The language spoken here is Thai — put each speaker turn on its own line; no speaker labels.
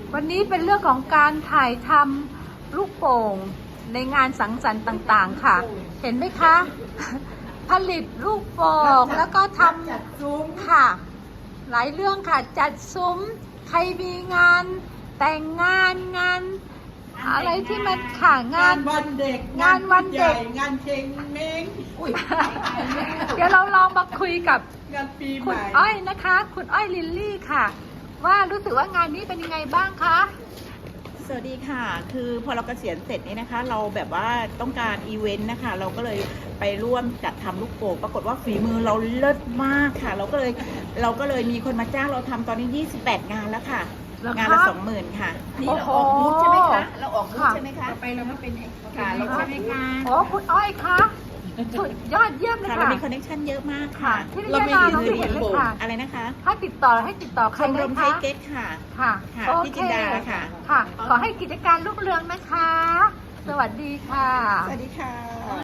วันนี้เป็นเรื่องของการถ่ายทำลูกโป่งในงานสังสรรค์ต่างๆค่ะ เห็นไหมคะ ผลิตลูกโป่งแล้วก็ทำค่ะ หลายเรื่องค่ะจัดซุ้มใครมีงานแต่งงานอะไรที่มันค่ะงาน
วันเด็ก
งานวันเด็ก
งานเชงเม้งอุ้ย
เดี๋ยวเราลองมาคุยกับ
งานปีให
คุณ
ม่
อ้อยนะคะ คุณอ้อยลิลลี่ค่ะ ว่ารู้สึกว่างานนี้เป็นยังไงบ้างคะ
สวัสดีค่ะ คือพอเราเกษียณเสร็จนี่นะคะ เราแบบว่าต้องการอีเวนต์นะคะ เราก็เลยไปร่วมจัดทำลูกโป่งปรากฏว่าฝีมือเราเลิศมากค่ะ เราก็เลยมีคนมาจ้างเราทำตอนนี้ 28 งานแล้วค่ะ งานละ 20,000 ค่ะ
โอ้โห
ใช่ไหมคะ เราออกบูธใช่ไหมคะ
ไปเราก็เป็น
ค่ะเราใช่ไหมคะ
โอ้คุณอ้อยคะสุดยอดเยี่ยมเลย
ค่ะเรา
ค่ะ
มีคอนเนคชั่นเยอะมาก
ค่ะ
ค่ะ
ที่นี่นาเราไม่เห็นเลยค่ะ
อะไรนะคะ
ให้ติดต่อใค
ช
ร
ม
ได้
รมไท
คะ
ยเก๊กค่ะ
ค่ะ
ค่ะ
โอ
พี่
เค
จินดาค่ะ
ค่ะ ขอให้กิจการรุ่งเรืองนะคะ สวัสดีค่ะ
สวัสดีค่ะ